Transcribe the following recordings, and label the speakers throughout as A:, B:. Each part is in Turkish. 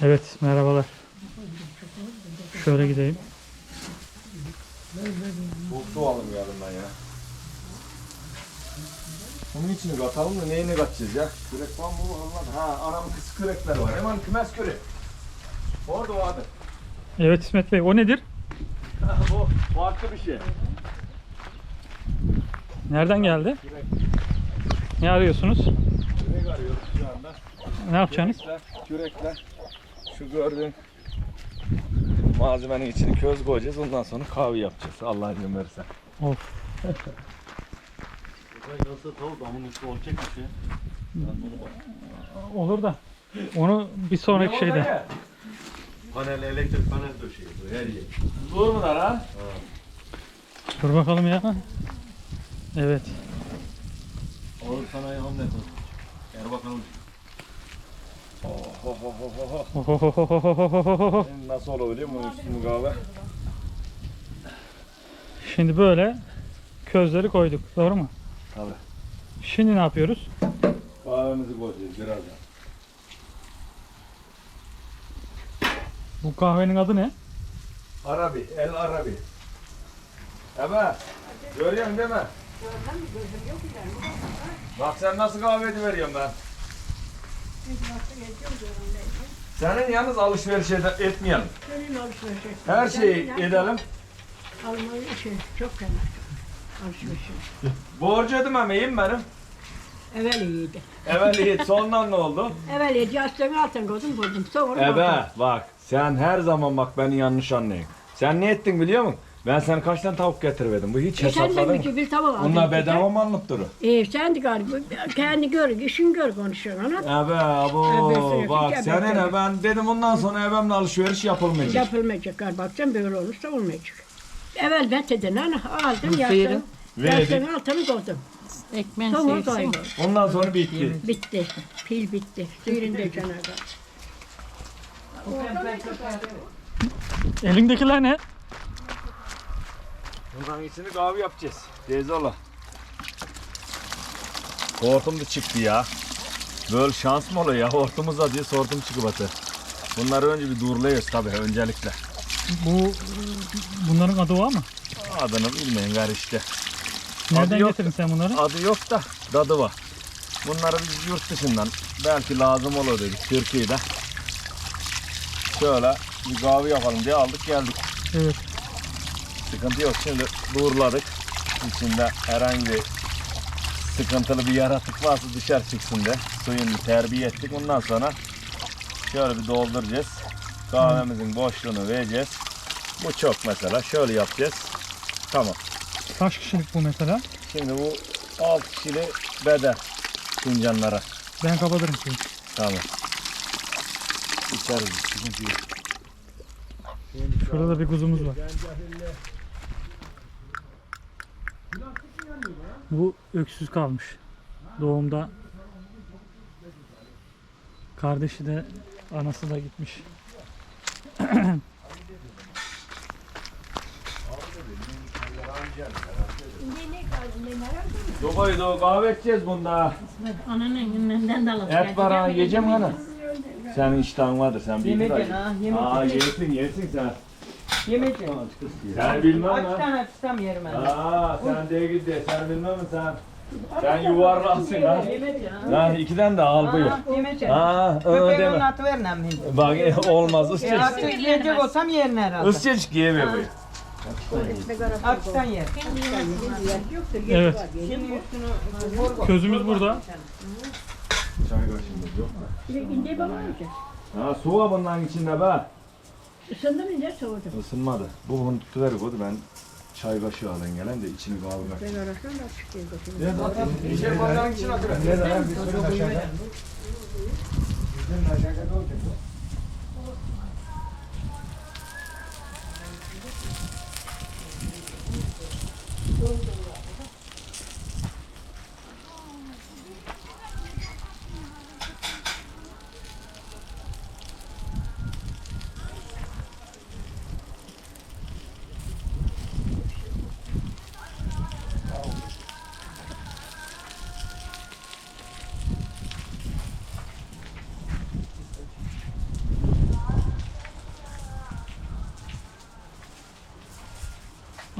A: Evet, merhabalar. Şöyle gideyim.
B: Soğuk su alalım yarından ya. Bunun içini katalım da neyini katacağız ya? Kürek var mı? Ha, anamın kız kürekler var. Hemen kümes kürek. Orada vardı.
A: Evet İsmet Bey, o nedir?
B: Bu farklı bir şey.
A: Nereden geldi?
B: Kürek.
A: Ne arıyorsunuz?
B: Kürek arıyoruz şu anda.
A: Ne yapacaksınız?
B: Kürekle şu gördüğün malzemenin içini köz koyacağız. Ondan sonra kahve yapacağız. Allah izin verirse.
A: Of.
C: Nasıl tavuk amın üstü olacak bir şey.
A: Olur da. Onu bir sonraki şeyde.
C: Panel, elektrik panel döşeyiyor her yer.
B: Dur mu lan ha?
A: Dur bakalım ya. Evet.
C: Ağır sanayi hamle yapalım. Erbakan
A: Ohohohohohoho.
B: Nasıl olabiliyor mu üstünü kahve?
A: Şimdi böyle közleri koyduk. Doğru mu?
B: Tabii.
A: Şimdi ne yapıyoruz?
B: Kahvemizi koyacağız birazdan.
A: Bu kahvenin adı ne?
B: Arabi, el Arabi. Evet. Görüyorsun değil mi? Bak sen nasıl kahve ediveriyorsun ben. Senin yalnız alışveriş etmeyelim.
D: Senin alışveriş.
B: Her şeyi edelim.
D: Almayı çok fena. Alışveriş.
B: Borcu ödememeyim benim.
D: Evvel iyiydi.
B: Evvel iyi, sondan ne oldu?
D: Evvel iyiydi. Yastığını altın koydum buldum. Sonra
B: Evet bak sen her zaman bak beni yanlış anlayın. Sen ne ettin biliyor musun? Ben sana kaç tane tavuk getirmedim. Bu hiç
D: sen de
B: hesapladın
D: bir
B: mı?
D: bir tavuk aldın.
B: Bunlar bedava mı anlıp durur?
D: Sen de galiba kendi gör, işin gör konuşuyorsun ana.
B: Evet abo
D: Evet,
B: bak
D: evet,
B: senin
D: evet.
B: ben dedim ondan sonra evimle alışveriş yapılmayacak.
D: Yapılmayacak galiba. Baksan böyle olursa olmayacak. Evvel ben dedim ana aldım
A: Buyurun.
D: yastığını.
B: Verdik.
D: Yastığını altını koydum.
E: Ekmen
D: Sonra
E: sevsin.
D: koydum.
B: Ondan sonra bitti.
D: Bitti. Pil bitti. Suyunu da canavar.
A: Elindekiler ne?
B: Bundan içini kahve yapacağız. Teyzola. Hortum da çıktı ya. Böyle şans mı oluyor ya? Hortumuz diye hortum çıkıp atı. Bunları önce bir durlayıyoruz tabii öncelikle.
A: Bunların adı var mı?
B: Adını bilmeyin gar işte.
A: Nereden
B: yok.
A: getirdin sen bunları?
B: Adı yok da dadı var. Bunları biz yurt dışından belki lazım olur dedik Türkiye'de. Şöyle bir kahve yapalım diye aldık geldik.
A: Evet.
B: Sıkıntı yok. Şimdi doğruladık. İçinde herhangi bir sıkıntılı bir yaratık varsa dışarı çıksın de suyunu terbiye ettik. Ondan sonra şöyle bir dolduracağız. Kahvemizin boşluğunu vereceğiz. Bu çok mesela. Şöyle yapacağız. Tamam.
A: Kaç kişilik bu mesela?
B: Şimdi bu 6 kişili bedel fincanlara.
A: Ben kapatırım suyu.
B: Tamam. İçeriz. Sıkıntı yok.
A: Şurada da bir kuzumuz var. Bu öksüz kalmış. Doğumda kardeşi de anası da gitmiş.
B: Yobaydı o kahve içeceğiz bunda.
E: Ananın elinden de alalım.
B: Et var ha yiyeceğim hani. Senin iştahın vardır sen bilirsin.
F: Yemeyeceksin ha, yemeyeceksin.
B: Yersin sen.
F: Yemeyeceksin.
B: Sen bilmem
F: Açtan
B: ha.
F: açsam yerim ben.
B: Sen de git de sen bilmem mi sen? Sen yuvarlaksın ha.
F: Yemeyeceksin.
B: Lan ikiden de al buyur.
F: Yemeyeceksin.
B: Öyle
F: Köpeğin
B: deme.
F: atı ver nem hindi.
B: Bak olmaz ısçacık.
F: Artık yiyecek olsam yerin herhalde.
B: Isçacık yiyemiyor bu.
F: Açtan yer.
A: Evet.
F: Şimdi üstünü
A: Közümüz burada.
B: Çay kaşığımız yok mu?
D: İnce baba olacak.
B: Ha su var bunların içinde be.
D: Isındı mı ince soğudu.
B: Isınmadı. Bu bunu tutuver koydu ben çay kaşığı alın gelen de içini kavurmak.
D: Ben arasam da açık değil.
B: Bir şey bardağın içine atıver. Bir sürü aşağıda.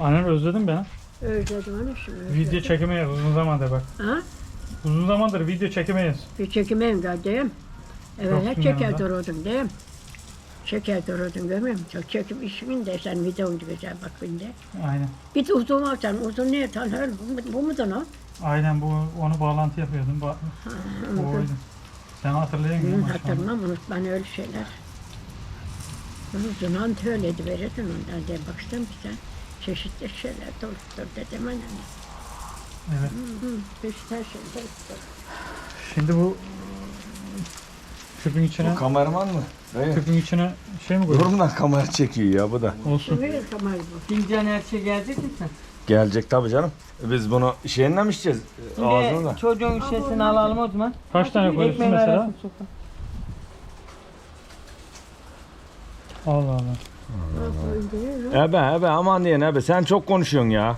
A: Annen özledin beni.
D: Özledim onu şimdi.
A: Video
D: özledim.
A: çekemeyiz uzun zamandır bak.
D: Ha?
A: Uzun zamandır video çekemeyiz.
D: Bir çekimeyim de diyeyim. Evet,
A: Yoksun
D: hep çeker
A: yanında.
D: dururdum diyeyim. Çeker dururdum görmüyor musun? Çok çekim işimin de sen videonu güzel bak bende.
A: Aynen.
D: Bir de uzun alsan, uzun niye tanır? Bu mudur o?
A: Aynen onu bağlantı yapıyordum. Bu oydu. Sen hatırlayın mı?
D: Hatırlamam, unutmam öyle şeyler. Uzun ant öyleydi verirdin ondan diye baktım ki sen çeşitli şeyler doluptur dedim anne.
A: Evet.
D: Çeşitli her şey doluptur.
A: Şimdi bu küpün içine
B: Kameraman mı? Dayı.
A: küpün içine şey mi koydun?
B: Durumdan kamera çekiyor ya bu da.
A: Olsun.
D: Buyur Kemal bu.
F: Fincan her şey gelecek mi sen?
B: Gelecek tabii canım. Biz bunu şeyinle mi içeceğiz? Ağzını da.
F: Şimdi çocuğun şişesini alalım o zaman.
A: Kaç tane koyuyorsun
F: Ekmeğin
A: mesela?
F: arasını sokalım.
A: Allah Allah.
B: Ebe aman diyen ebe sen çok konuşuyorsun ya.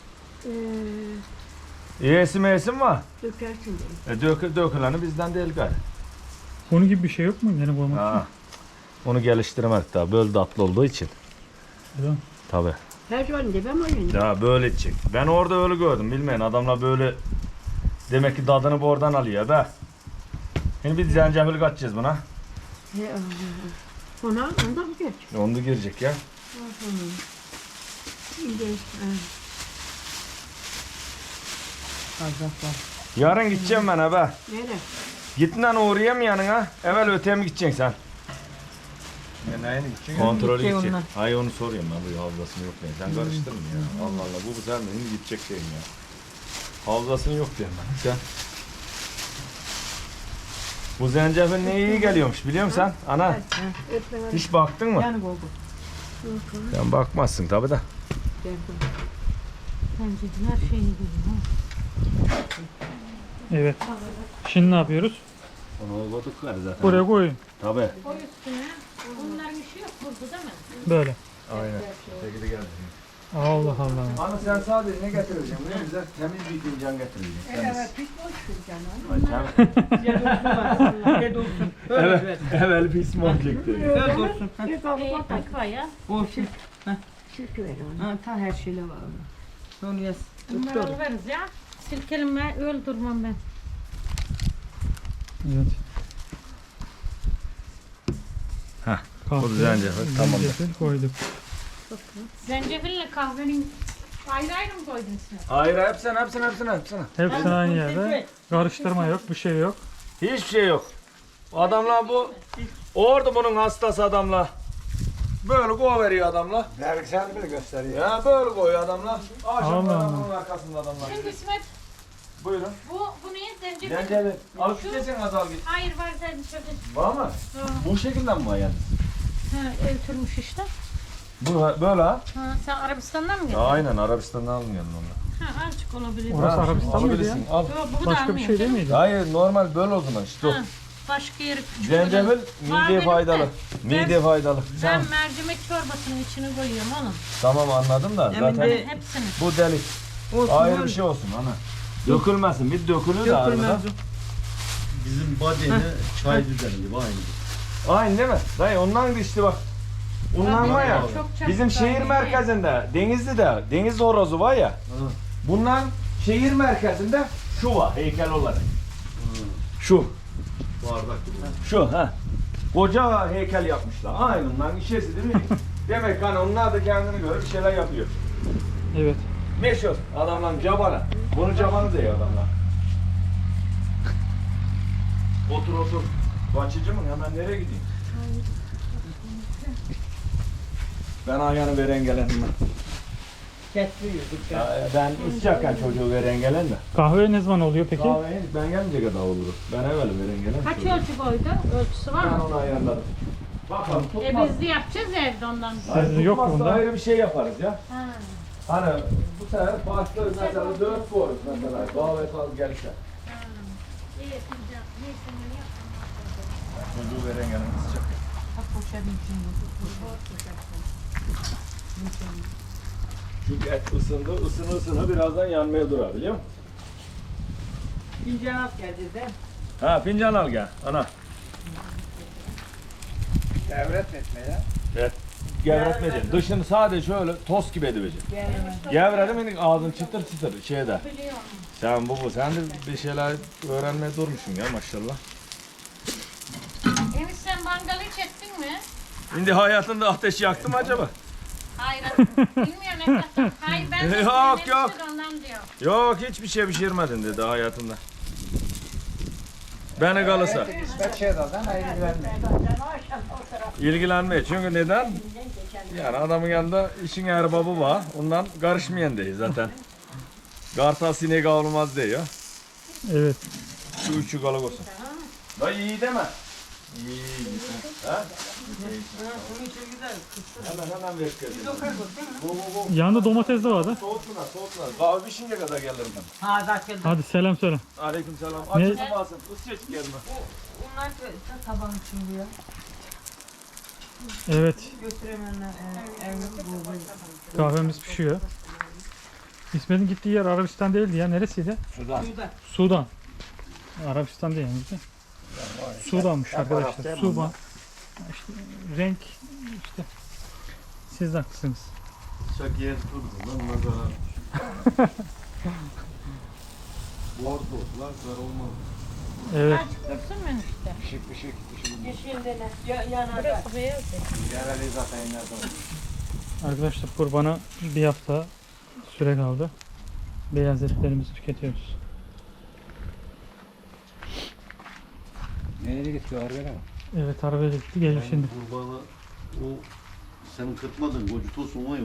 B: İyisi meyesi var.
D: Dökersin dedim.
B: Döküleni bizden değil gari.
A: Bunun gibi bir şey yok mu? Yani koymak için.
B: Ha. Onu geliştirmek daha böyle tatlı olduğu için.
A: Değil mi?
B: Tabii.
D: Her zaman demem oyun.
B: Ya böyle içecek. Ben orada öyle gördüm bilmeyin adamlar böyle demek ki tadını bu oradan alıyor be. Şimdi bir zencefil katacağız buna.
D: Ona ondan mı geç?
B: Onu da girecek ya.
D: Şimdi
B: Yarın gideceğim ben be.
D: nereye?
B: Gittin lan uğrayayım yanına. Evvel öteye mi gideceksin sen?
C: Neyine gideceksin?
B: Kontrolü
F: Gidecek
B: gidecek.
F: onlar.
B: Hayır onu soruyorum ben bu havzasını yok diye. Sen karıştırma ya. Allah Allah bu güzel mi? Şimdi gidecek şeyim ya. Havzasını yok diyorum ben. Sen. Bu zencefil ne iyi geliyormuş biliyor musun sen? Ana
D: Öpme
B: hiç baktın mı?
F: Yani oldu.
B: Sen bakmazsın tabi de.
E: Bence her şeyi biliyor.
A: Evet. Şimdi ne yapıyoruz?
B: Onu koyduk gari zaten.
A: Buraya koyun.
B: Tabi.
E: Koy üstüne. Bunların işi yok burada değil mi?
A: Böyle.
B: Aynen. Şekilde geldi.
A: Allah Allah.
B: Ana sen sadece ne getireceksin? Buraya bize temiz bir fincan getireceksin.
D: Evet, pis boş canım.
F: Gel olsun bak. Gel olsun. Öyle ver.
B: Evvel pis montluk dedi.
F: Öyle olsun. Ha,
D: Bir kalıp atar.
E: Takva ya.
F: olsun.
D: Sirke ver ona.
F: Ha, ta her şeyle var. Onu yaz.
E: Bunları alırız ya. Silkelim öldürmem ben.
A: Evet.
B: Hah,
A: Kahve,
B: bu zencefil, tamam.
A: zencefil koyduk.
E: Zencefille kahvenin ayrı ayrı mı koydun sen?
B: Hayır hepsine.
A: Hepsini aynı yerde. Karıştırma yok, bir şey yok.
B: Hiçbir şey yok. Adamlar bu orada bunun hastası adamlar. Böyle koyuveriyor adamlar.
C: Belgesel bile gösteriyor.
B: Ya böyle koyuyor adamlar. Akşam
A: Allah
B: adamın arkasında adamlar.
E: Şimdi İsmet
B: Buyurun.
E: bu neyin zencefil?
B: Zencefil. Al şu kesin azal git.
E: Hayır var zencefil.
B: Var mı? Bu şekilde mi var yani?
E: Ha, öldürmüş işte.
B: Bu böyle ha?
E: Ha, sen Arabistan'dan mı
B: Ya
E: getirdin?
B: aynen Arabistan'dan almıyorum onu.
E: Ha, azıcık olabilir.
A: Orası Arabistan mıydı ya?
B: alabilirsin, Al.
E: Yok, bu da
A: Başka bir şey değil miydi?
B: Hayır normal böyle o zaman işte o.
E: Ha, başka yeri küçük.
B: Zencefil
E: Var
B: mideye
E: benim de.
B: faydalı. Mideye faydalı.
E: Ben mercimek çorbasının içine koyuyorum onun.
B: Tamam anladım da
F: Emin
B: zaten
F: de-
E: Hepsini.
B: bu delik.
F: Olsun.
B: Ayrı
F: oğlum.
B: bir şey olsun ana. Dökülmesin. Bir dökülür de arada.
F: Dökülmez.
C: Bizim badeni çay düzeni gibi aynı.
B: Aynı değil mi? Dayı ondan da işte bak. Ondan var ya.
E: Çok çabuk
B: Bizim şehir
E: kaynıyor.
B: merkezinde Denizli'de deniz horozu var ya. Bundan şehir merkezinde şu var heykel olarak. Şu.
C: Bardak gibi.
B: Şu ha. Koca heykel yapmışlar. Aynı ondan işesi değil mi? Demek hani onlar da kendine göre bir şeyler yapıyor.
A: Evet.
B: Meşhur adamların cabanı. Bunu cabanı diyor adamlar. Otur. Bahçeci mi? Hemen nereye gideyim? Ben ayağını veren gelen mi?
F: Getiriyorduk.
B: Ben içecekken çocuğu veren gelen de.
A: Kahve ne zaman oluyor peki?
B: Kahveye ben gelince kadar olur. Ben evvel veren gelen.
E: Kaç
B: çocuğu.
E: ölçü koydu? Ölçüsü var
B: Ben
E: mı?
B: onu ayarladım. Bakalım tutmaz.
E: Biz de yapacağız ya evde ondan.
A: Sizde yok mu
B: Tutmazsa
A: bunda?
B: ayrı bir şey yaparız ya.
E: Ha.
B: Hani bu sefer farklı mesela 4 koyuz mesela. Kahve fazla gelirse.
E: İyi yapacağım. Neyse ne yapayım.
B: Çocuğu veren gelen sıcak. Çünkü et ısındı, ısını birazdan yanmaya durar biliyor musun?
F: Fincan at geldi de.
B: Ha fincan al gel ana.
C: Devret etme ya.
B: Evet. gevretmeyeceksin. Dışını sadece şöyle tost gibi edeceksin. Gevredim yine ağzın çıtır çıtır şeyde. Sen sen de bir şeyler öğrenmeye durmuşsun ya maşallah.
E: Enis sen mangalı hiç ettin mi?
B: Şimdi hayatında ateş yaktı mı acaba?
E: Hayır. Bilmiyorum ne kadar. Hayır ben de
B: Yok,
E: Enis
B: yok.
E: de ondan diyor.
B: Yok hiçbir şey pişirmedin dedi hayatında. Beni kalırsa. İlgilenmeye. Çünkü neden? Yani adamın yanında işin erbabı var. Ondan karışmayan değil zaten. Kartal sinek avlamaz diyor.
A: Evet.
B: Şu üçü kalık olsun. Da iyi deme. İyi. Ha?
F: Onun için güzel.
B: Hemen ver kızım. Bu.
A: Yanında domates de vardı.
B: Soğutma. Kahve pişince kadar gelirim ben.
F: Ha zaten.
A: Hadi selam söyle.
B: Aleykümselam.
A: Ne?
B: Açın basın. Isıcık gelme.
F: Bunlar da taban için diyor.
A: Evet.
F: Götüremeyenler evde bu.
A: Kahvemiz pişiyor. İsmet'in gittiği yer Arabistan değildi ya. Neresiydi?
B: Sudan.
F: Suda.
A: Sudan. Arabistan değil yani. Sudan'mış arkadaşlar. Sudan. İşte renk işte. Siz de haklısınız.
C: Çak yer tuttu lan nazara. Bordo lan zar olmaz.
A: Evet.
E: Azıcık dursun mu işte?
B: Pişik.
F: Yeşilde ne? Yanarda.
E: Burası beyaz.
B: Yereli zaten nerede?
A: Arkadaşlar kurbana bir hafta süre kaldı. Beyaz etlerimizi tüketiyoruz.
C: Nereye gitti arabaya?
A: Evet arabaya gitti. Geliyor şimdi.
C: Kurbanı o senin kırpmadın kocu tosun var ya.